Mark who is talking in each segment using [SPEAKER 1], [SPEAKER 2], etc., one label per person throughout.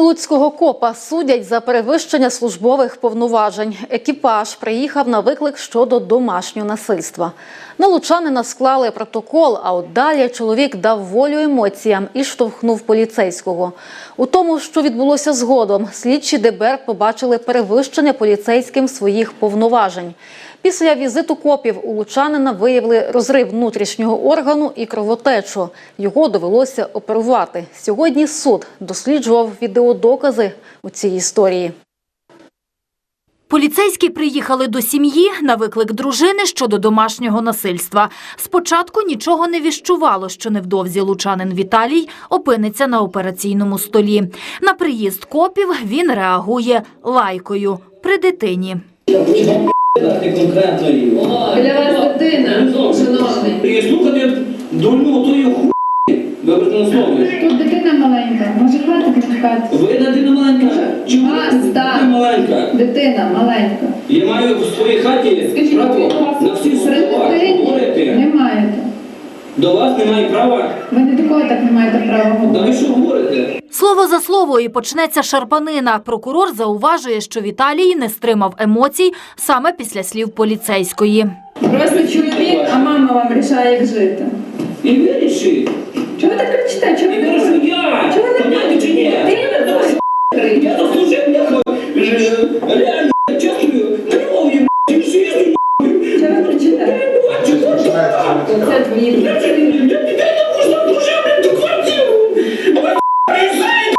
[SPEAKER 1] Луцького копа судять за перевищення службових повноважень. Екіпаж приїхав на виклик щодо домашнього насильства. На лучанина склали протокол, а от далі чоловік дав волю емоціям і штовхнув поліцейського. У тому, що відбулося згодом, слідчі ДБР побачили перевищення поліцейським своїх повноважень. Після візиту копів у лучанина виявили розрив внутрішнього органу і кровотечу. Його довелося оперувати. Сьогодні суд досліджував відеодокази у цій історії.
[SPEAKER 2] Поліцейські приїхали до сім'ї на виклик дружини щодо домашнього насильства. Спочатку нічого не віщувало, що невдовзі лучанин Віталій опиниться на операційному столі. На приїзд копів він реагує лайкою при дитині.
[SPEAKER 3] Для вас дитина, шановний.
[SPEAKER 4] І слухати дурню тої хуйні, вибачте на слові.
[SPEAKER 3] Тут дитина маленька, може хватить не хватить.
[SPEAKER 4] Ви дитина маленька? Чи ви маленька?
[SPEAKER 3] Дитина маленька.
[SPEAKER 4] Я маю в своїй хаті право на всі слова говорити.
[SPEAKER 3] Не маєте.
[SPEAKER 4] До вас немає права?
[SPEAKER 3] Ви не такого так не маєте права
[SPEAKER 4] Да
[SPEAKER 3] говорити.
[SPEAKER 4] ви що говорите?
[SPEAKER 2] Слово за слово і почнеться шарпанина. Прокурор зауважує, що Віталій не стримав емоцій саме після слів поліцейської.
[SPEAKER 3] Просто чоловік, а мама вам рішає, як жити.
[SPEAKER 4] І вирішіть.
[SPEAKER 3] Чого ви так кричите? Чого
[SPEAKER 4] І
[SPEAKER 3] ви
[SPEAKER 4] кажу я.
[SPEAKER 3] Чого ви не
[SPEAKER 4] Поняти чи ні? Я заслужив реально чесною кров'ю і жизнью.
[SPEAKER 3] Чого ви кричите? Оце твої
[SPEAKER 4] Дітей не можна дружити до квартиру. Ви приїжджаєте.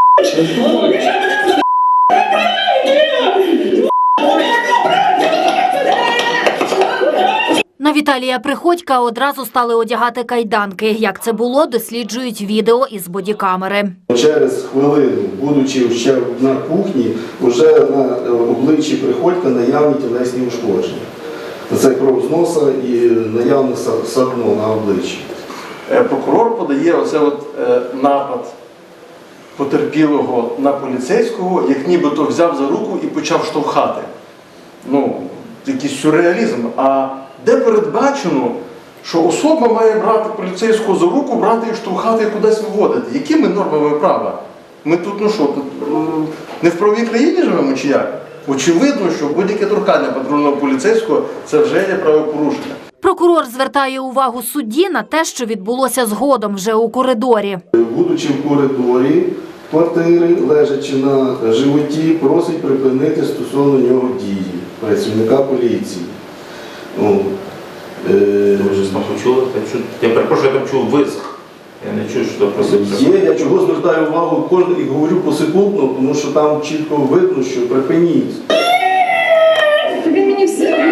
[SPEAKER 2] На Віталія Приходька одразу стали одягати кайданки. Як це було, досліджують відео із бодікамери.
[SPEAKER 5] Через хвилину, будучи ще на кухні, вже на обличчі Приходька наявні тілесні ушкодження. Це кров з носа і наявне садно на обличчі.
[SPEAKER 6] Прокурор подає напад потерпілого на поліцейського, як нібито взяв за руку і почав штовхати. Якийсь сюрреалізм. А де передбачено, що особа має брати поліцейського за руку, брати і штовхати і кудись виводити? Якими нормами права? Ми тут, не в правовій країні живемо чи як? Очевидно, що будь-яке торкання патрульного поліцейського – це вже є правопорушення.
[SPEAKER 2] Прокурор звертає увагу судді на те, що відбулося згодом вже у коридорі.
[SPEAKER 5] Будучи в коридорі квартири, лежачи на животі, просить припинити стосовно нього дії працівника поліції.
[SPEAKER 7] Ви ж знову чули? Я перепрошую, я там чув визг. Я не чую, що просить.
[SPEAKER 5] Я чого звертаю увагу кожен і говорю посекундно, тому що там чітко видно, що припиніть.
[SPEAKER 3] Він мені все.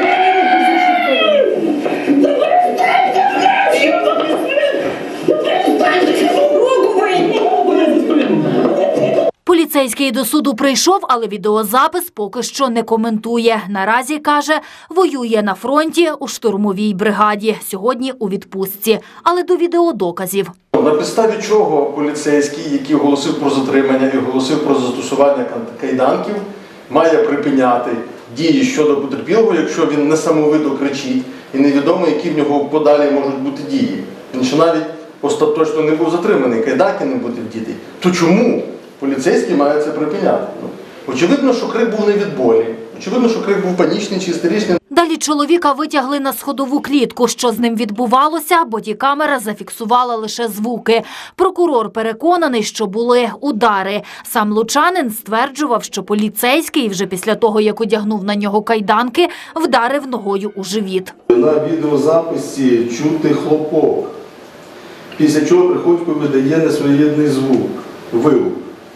[SPEAKER 2] Поліцейський до суду прийшов, але відеозапис поки що не коментує. Наразі, каже, воює на фронті у штурмовій бригаді. Сьогодні у відпустці. Але до відеодоказів.
[SPEAKER 6] На підставі чого поліцейський, який оголосив про затримання і оголосив про застосування кайданків, має припиняти дії щодо потерпілого, якщо він несамовито кричить і невідомо, які в нього подалі можуть бути дії. Він ще навіть остаточно не був затриманий, кайданки не будуть вдіти. То чому поліцейський має це припиняти? Очевидно, що крик був не від болі. Очевидно, що крик був панічний чи істеричний.
[SPEAKER 2] Далі чоловіка витягли на сходову клітку. Що з ним відбувалося, бодікамера зафіксувала лише звуки. Прокурор переконаний, що були удари. Сам лучанин стверджував, що поліцейський вже після того, як одягнув на нього кайданки, вдарив ногою у живіт.
[SPEAKER 5] На відеозаписі чути хлопок, після чого Приходько видає несвоєрідний звук, вигук.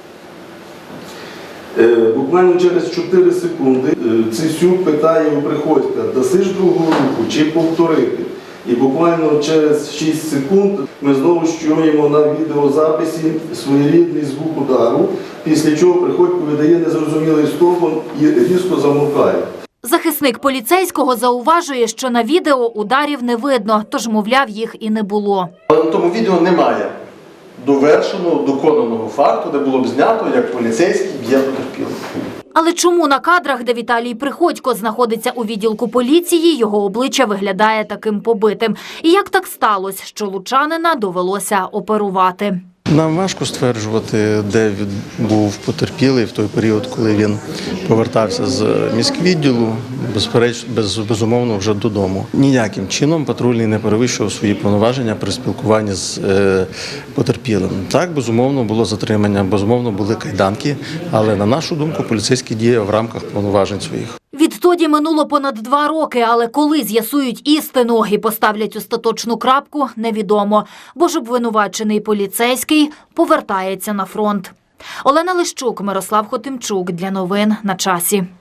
[SPEAKER 5] Буквально через 4 секунди Цисюк питає у Приходька, даси ж другу руку чи повторити. І буквально через 6 секунд ми знову чуємо на відеозаписі своєрідний звук удару, після чого Приходько видає незрозумілий стогон і різко замовкає.
[SPEAKER 2] Захисник поліцейського зауважує, що на відео ударів не видно, тож, мовляв, їх і не було.
[SPEAKER 6] Але на тому відео немає довершеного, доконаного факту, де було б знято, як поліцейський б'є потерпілого.
[SPEAKER 2] Але чому на кадрах, де Віталій Приходько знаходиться у відділку поліції, його обличчя виглядає таким побитим? І як так сталося, що лучанина довелося оперувати?
[SPEAKER 6] Нам важко стверджувати, де він був потерпілий в той період, коли він повертався з міськвідділу, безумовно, вже додому. Ніяким чином патрульний не перевищував свої повноваження при спілкуванні з потерпілим. Так, безумовно, було затримання, безумовно, були кайданки, але, на нашу думку, поліцейський діяв в рамках повноважень своїх.
[SPEAKER 2] Відтоді минуло понад 2 роки, але коли з'ясують істину і поставлять остаточну крапку, невідомо, бо ж обвинувачений поліцейський повертається на фронт. Олена Лищук, Мирослав Хотимчук. Для новин на часі.